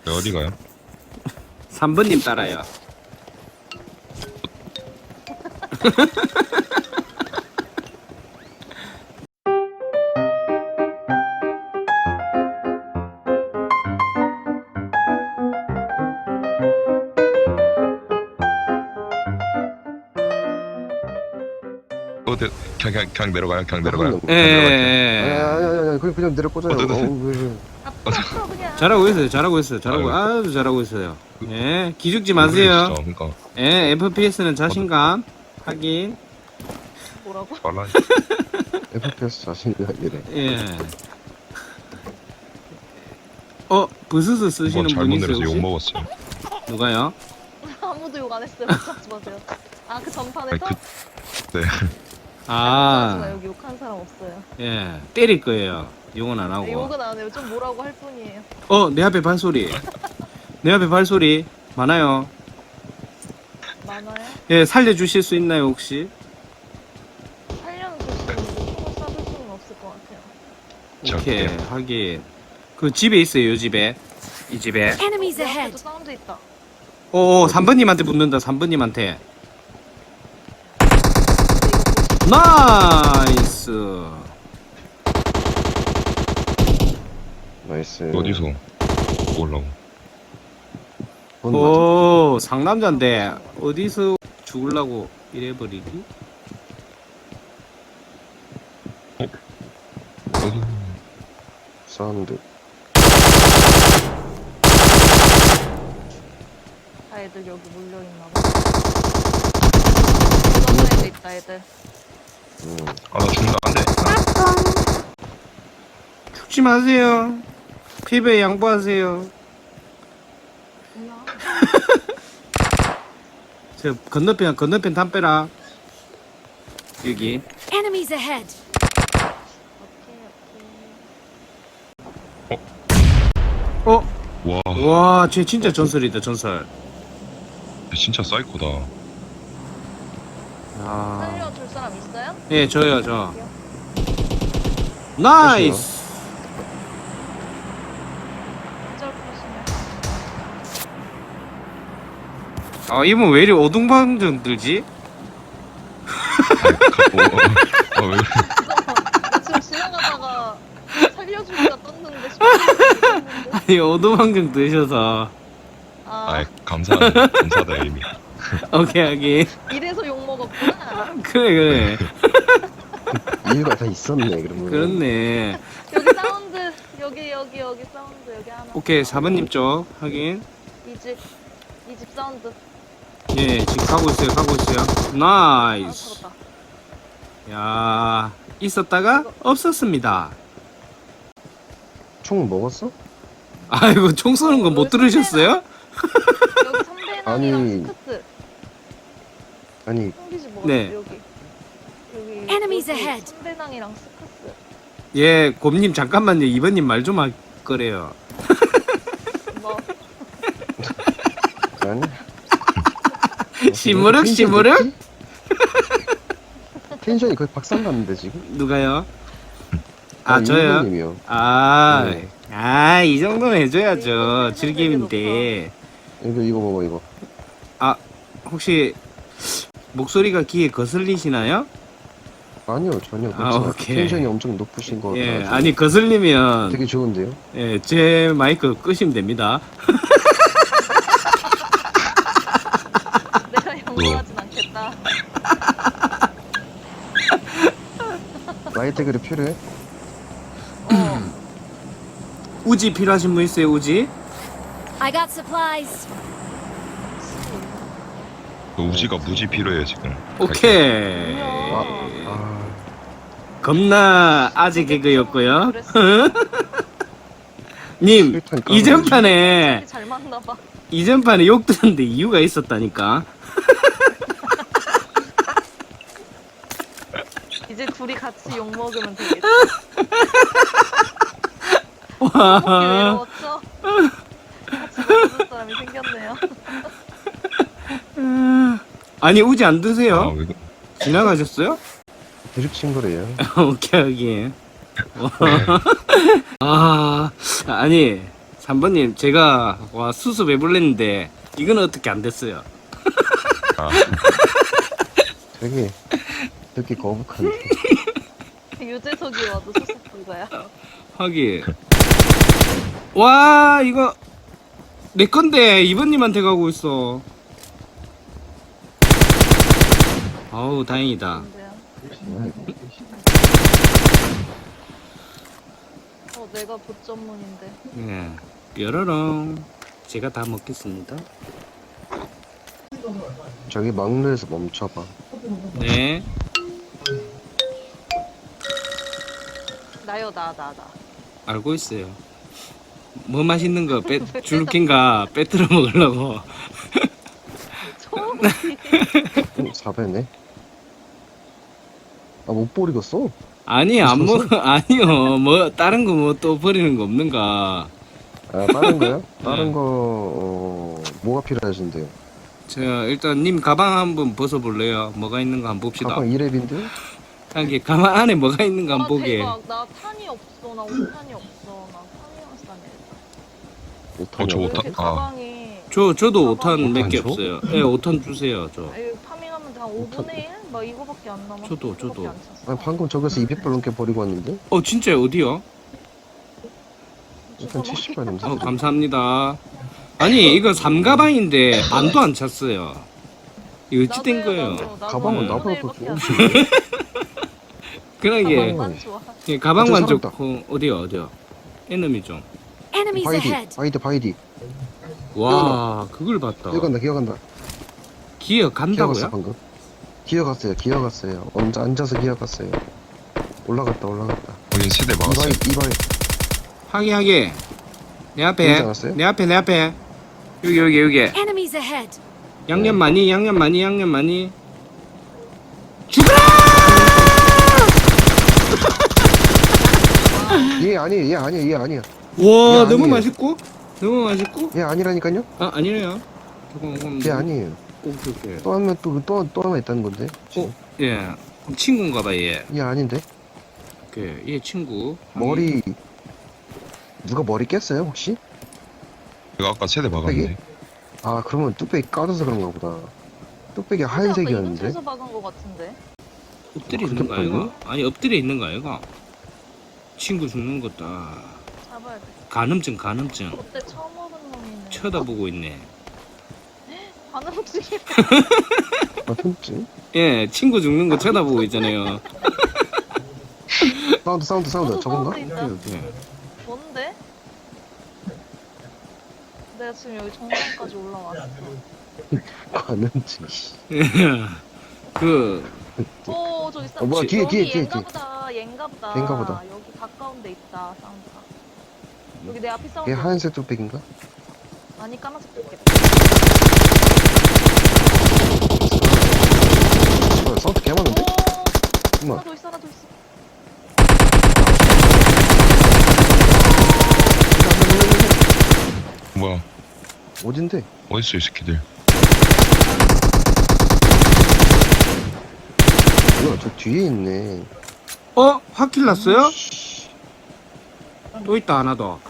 어디 가요? 3번님 따라요. 어디 그냥 내려가요? 그냥 내려가요? 예. 그냥 내려 꽂아요. 잘하고 있어요. 잘하고 있어요. 잘하고 아유, 아주 잘하고 있어요. 예. 기죽지 마세요. 진짜, 그러니까 예. FPS는 자신감 확인. 뭐라고? 빨라. FPS 자신이야 이래. 예. 부스스 쓰시는 이번 분이 잘못 있어요 내려서 욕 혹시? 먹었어요. 누가요? 아무도 욕 안 했어요. 걱정하지 마세요. 아, 그 전판에서? 아니, 네. 걱정하지 마. 아, 여기 욕한 사람 없어요. 예. 때릴 거예요. 욕은 안 네, 하고. 욕은 안 해요. 좀 뭐라고 할 뿐이에요. 내 앞에 발소리. 내 앞에 발소리 많아요. 많아요? 예, 살려주실 수 있나요 혹시? 살려는 주시는데 총을 쏴줄 수는 없을 것 같아요. 오케이, 오케이. 하긴. 그 집에 있어요, 요 집에. 이 집에. Enemies 내 ahead. 앞에도 사운드 있다. 3번님한테 붙는다, 3번님한테. 근데 나이스. 나이스. 어디서 올라오? 상남자인데, 어디서 죽으려고 이래버리기? 어디? 사운드. 다 애들 여기 몰려있나봐. 이런 애들 있다, 애들. 아, 나 죽는다. 안 돼. 죽지 마세요. 피부에 양보하세요. 뭐야? 저 건너편 담 빼라. 여기. Enemies ahead. 오케이. 와, 와, 쟤 진짜 전설이다, 전설. 진짜 사이코다. 아. 살려줄 사람 있어요? 예, 저요, 저. 나이스. 어쩔 것이냐. 이분 왜 이리 오동방정 들지? 왜? 나 지금 지나가다가 살려주기가 떴는데 싶었는데. 아니, 오동방정 드셔서. 아, 감사하다, 이미. 오케이. 이래서 욕먹었구나. 그래. 이유가 다 있었네 그러면. 그렇네. 여기 사운드. 여기 사운드. 여기 하나. 오케이, 4번님 쪽 확인. 이 집 사운드. 예, 지금 가고 있어요. 아, 나이스. 잡았다. 야, 있었다가 없었습니다. 총 먹었어? 아이고, 총 쏘는 거 못 들으셨어요? 여기 선배낭이랑 아니. 스커스. 아니 형기지 먹었어. 네. 여기. Enemies ahead. 선배낭이랑 스커스. 예, 곰님 잠깐만요. 2번님 말 좀 할 거래요. 뭐 아니. 시무룩. 텐션이 거의 박살 났는데 지금. 누가요? 저요? 이모님이요. 이 정도는 해줘야죠. 즐김인데. 이거 먹어 이거. 혹시 목소리가 귀에 거슬리시나요? 아니요 전혀 그렇지 않아요. 오케이. 텐션이 엄청 높으신 거 예, 같아요. 아니 거슬리면 되게 좋은데요? 예, 제 마이크 끄시면 됩니다. 내가 영어하진 않겠다. 라이트 그립 필요해? 우지 필요하신 분 있어요? 우지? I got supplies. 우지가 무지 필요해요, 지금. 오케이. 아 겁나 아재 개그였고요. 그랬어. 님, 실탄 이전판에 잘 맞나봐. 욕 들었는데 이유가 있었다니까. 이제 둘이 같이 욕 먹으면 되겠다. 와. 먹기 외로웠죠? 같이 먹어줄 사람이 생겼네요. 아니 우지 안 드세요? 왜 지나가셨어요? 드립 친구래요. 오케이. 아니 3번님 제가 와 수습 해볼랬는데 이건 어떻게 안 됐어요. 아, 되게 거북한데. 유재석이 와도 수습 불가야. 하긴. 와 이거 내 건데 2번님한테 가고 있어. 아우 다행이다. 근데요. 내가 봇 전문인데. 예. 뾰로롱. 제가 다 먹겠습니다. 저기 막루에서 멈춰봐. 네. 나요 나. 알고 있어요. 뭐 맛있는 거 줄긴가 빼뜨려 먹으려고. 초록이. 4배네. 아, 못 버리겠어. 아니 안 먹어. 아니요. 뭐 다른 거 뭐 또 버리는 거 없는가? 아, 다른 거요? 다른 거, 뭐가 필요하신데요? 자 일단 님 가방 한번 벗어볼래요? 뭐가 있는 거 한번 봅시다. 가방 2랩인데요? 하긴 가방 안에 뭐가 있는 거 한번 보게. 대박. 나 탄이 없어. 나 5탄이 없어. 나 탄이랑 싸네. 저 왜 오탄- 이렇게 아. 가방이. 저도 5탄 몇 개 줘? 없어요. 예, 5탄 주세요. 저. 아유, 파밍하면 한 5분의 1? 막 이거밖에 안 남아. 저도. 이거밖에 안 찼어. 아니, 방금 저기서 200발 넘게 버리고 왔는데? 진짜요? 어디요? 일단 70발 넘게. 감사합니다. 아니 이거 3가방인데 반도 안 찼어요. 이거 어찌된 거예요? 가방은 네. 나보다 더 좋은 그러게 가방만 좋아. 예, 가방만 저 사람 좋고 어디요? 에너미 좀. Enemies 바이디, ahead. 바이디. 와 그걸 봤다. 기어간다. 기어 기어갔어, 간다고요? 방금. 기어갔어요. 앉아서 기어갔어요. 올라갔다. 거긴 세대 막았어요. 이바이. 하게 내 앞에 보이지 않았어요? 내 앞에 여기 Enemies ahead. 양념 많이 죽어라! 얘 아니야. 와 얘 너무 아니에요. 맛있고 얘 아니라니까요? 아 아니래요. 조금 얘 아니에요. 오케이. 또 하면 또 하나 있다는 건데. 예 친구인가봐 얘. 얘 아닌데? 얘 친구. 머리 누가 머리 깼어요 혹시? 제가 아까 세대 막았는데. 아 그러면 뚝배기 까져서 그런가 보다. 뚝배기 하얀색이었는데. 근처에서 박은 거 같은데. 엎드려 그렇게 있는 거 아이가? 빨리? 아니 엎드려 있는 거 아이가? 친구 죽는 것다. 잡아야 돼. 간음증 그때 처음 오는 놈이네. 쳐다보고 있네. 반응증이. 아 흠증? 예 친구 죽는 거 쳐다보고 있잖아요. 사운드 저건가? 사운드 있다. 오케이. 뭔데? 내가 지금 여기 정상까지 올라왔어. 관음증. 오 저기 있어. 뭐야, 뒤에. 얘인가 보다. 여기 가까운 데 있다. 사운드가. 여기 내 앞에 사운드. 얘 하얀색 뚝배기인가? 아니 까만색 뜯겠다. 사운드 개 많은데? 오. 엄마. 하나 더 있어. 뭐야? 어딘데? 어딨어 이 새끼들? 뭐야 저 뒤에 있네. 화킬 났어요? 또 있다 하나 더.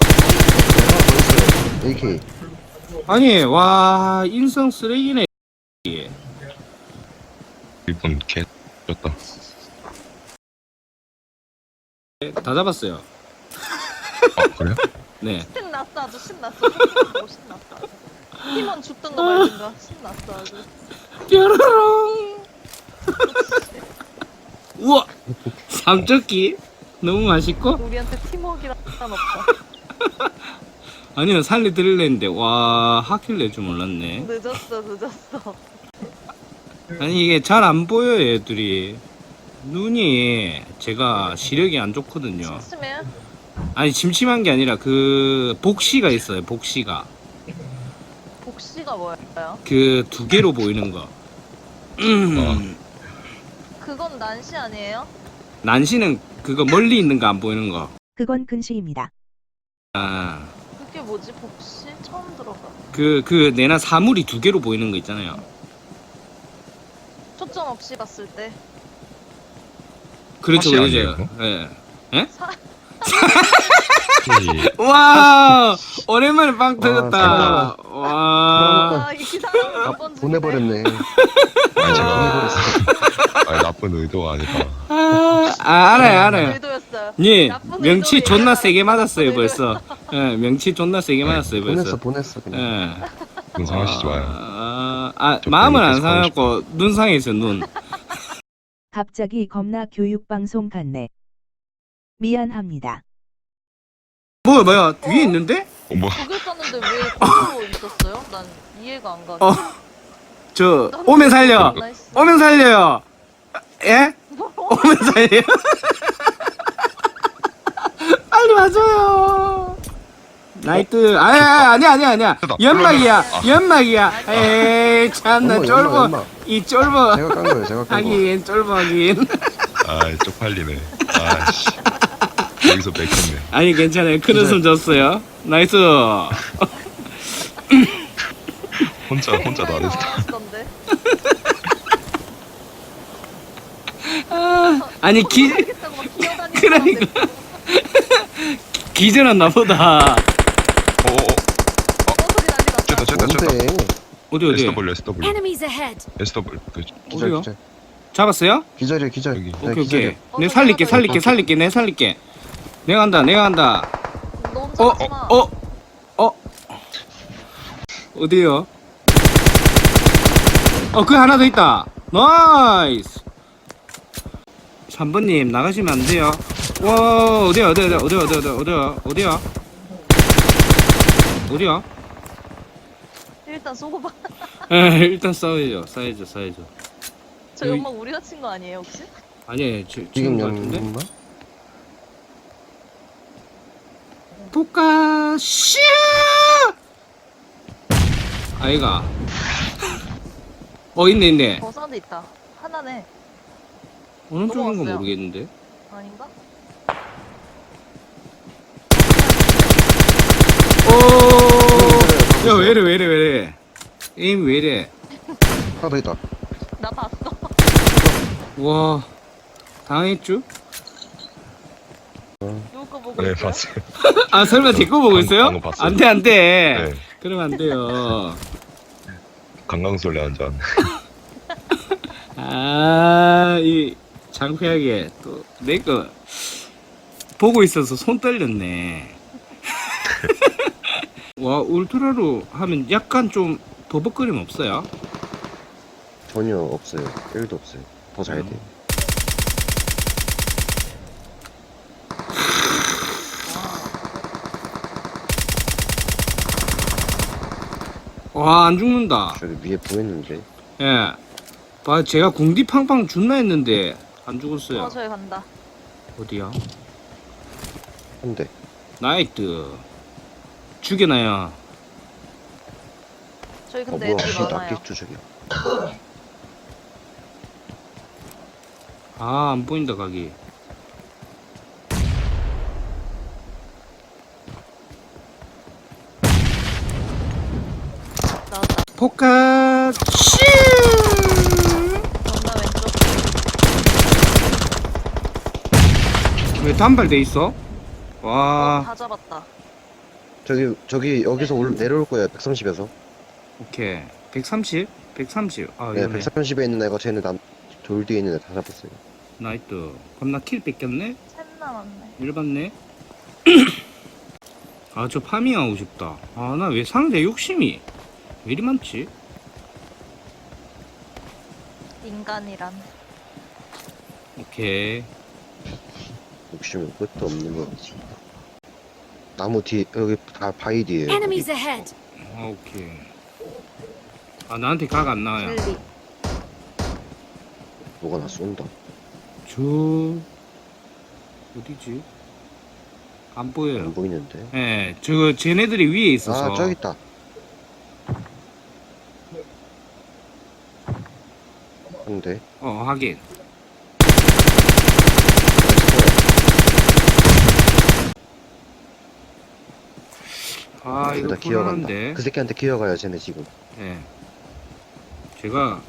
AK. 아니 와 인성 쓰레기네. 이분 개 졌다. 다 잡았어요. 아 그래요? 네. 신났어 아주 신났어. 신났어. 팀원 죽든가 말든가 신났어 아주. 뾰로롱. 우와 삼적기 너무 맛있고. 우리한테 팀워크란 없다. 아니요 살리 드릴랬는데 와 하킬 낼 줄 몰랐네. 늦었어. 아니 이게 잘 안 보여요 애들이. 눈이 제가 시력이 안 좋거든요. 심심해? 아니 심심한 게 아니라 그 복시가 있어요. 복시가 복시가 뭐예요? 그 두 개로 보이는 거. 그건 난시 아니에요? 난시는 그거 멀리 있는 거 안 보이는 거. 그건 근시입니다. 아 그게 뭐지? 복시? 처음 들어봐. 그 내나 사물이 두 개로 보이는 거 있잖아요. 초점 없이 봤을 때. 그렇죠, 사시 그렇죠. 아니에요, 예. 사... 확실히 와 오랜만에 빵 터졌다. 아, 와. 아, 이 사람은 몇 번 죽이네. 보내버렸네. 아니 제가 보내버렸어. 아니, 나쁜 의도가 아니라 알아요. 의도였어요. 예, 나쁜 명치 의도 존나 얘기하다가 세게 맞았어요 나쁜 벌써. 예, 명치 존나 세게 맞았어요 벌써. 보냈어 그냥. 예. 눈 상하시지 마요. 저 마음은 안 계속 하고 상하고 눈 상했어 눈. 갑자기 겁나 교육방송 같네. 미안합니다. 뭐야 뒤에 있는데? 뭐 거길 썼는데 왜 거기로 있었어요? 난 이해가 안 가. 저 오면 살려. 오면 살려요. 예? 오면 살려. 빨리 와줘요. 나이트. 아니야. 연막이야. 에이 참나 연막, 쫄보. 연막. 이 쫄보. 제가 깐 거예요. 제가 깐 거. 하긴 쫄보 하긴. 아 쪽팔리네. 아씨 여기서 맥혔네. 아니 괜찮아요. 큰 웃음 줬어요. 나이스. 혼자 나를 나왔던데. 아니 그러니까 기절했나 보다. 소리 난리 났다. 뭔데? 어디 SW Enemies ahead. SW 그 기절 어디요? 기절. 잡았어요? 기절이야 기절. 여기. 네, 오케이. 기절이야. 내 살릴게. 내 살릴게. 내가 간다. 너 혼자 하지 마. 어디요? 그 하나 더 있다. 나이스. 3번님 나가시면 안 돼요. 와 어디야? 일단 쏘고 봐. 일단 싸야죠. 저 연막 우리가 친 거 아니에요 혹시? 아니 지금 지금 같은데. 연마? 포카 슈 아이가 있네 사운드 있다. 하나네. 어느 쪽인 거 넘어갔어요. 모르겠는데. 아닌가? 야 왜이래 에임 왜이래. 하나 더 있다. 나 봤어. 와 당했쥬? 누구 거 보고 네 있어요? 봤어요. 설마 제 거 보고 있어요? 방금 봤어요. 안돼 네 그러면 안 돼요. 강강술래 한 잔. 이 장쾌하게 또 내 거 보고 있어서 손 떨렸네. 와 울트라로 하면 약간 좀 버벅거림 없어요? 전혀 없어요. 1도 없어요. 더 자야 돼. 와 안 죽는다. 저기 위에 보였는데. 예. 제가 궁디 팡팡 준나 했는데 안 죽었어요. 저기 간다. 어디야? 한 대. 나이트. 죽여놔요. 저기 근데 뭐야? 애들이 씨 많아요. 낚겠죠 저기. 안 보인다 가기. 나왔다. 포카 슈. 정답 왼쪽. 왜 단발돼 있어? 와. 다 잡았다. 저기 여기서 내려올 거예요. 130에서. 오케이. 130? 130. 네, 위험해. 130에 있는 애가 쟤는 돌 뒤에 있는 애 다 잡았어요. 나이트. 그럼 나 킬 뺏겼네? 셋 남았네. 일봤네. 저 파밍하고 싶다. 나 왜 상대 욕심이 왜 이리 많지? 인간이란. 오케이. 욕심은 끝도 없는 거지. 나무 뒤 여기 다 바위 뒤에요. Enemies ahead. 오케이. 나한테 각 안 나와요. 젤리. 뭐가 나 쏜다. 어디지? 안 보여요. 안 보이는데. 예, 쟤네들이 위에 있어서. 저기 있다. 한 대. 하긴. 이거 여기다 기어간다. 불안한데. 그 새끼한테 기어가요 쟤네 지금. 예. 제가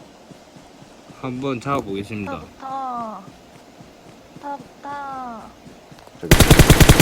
한번 잡아보겠습니다. 타부터. 타부터. 저기.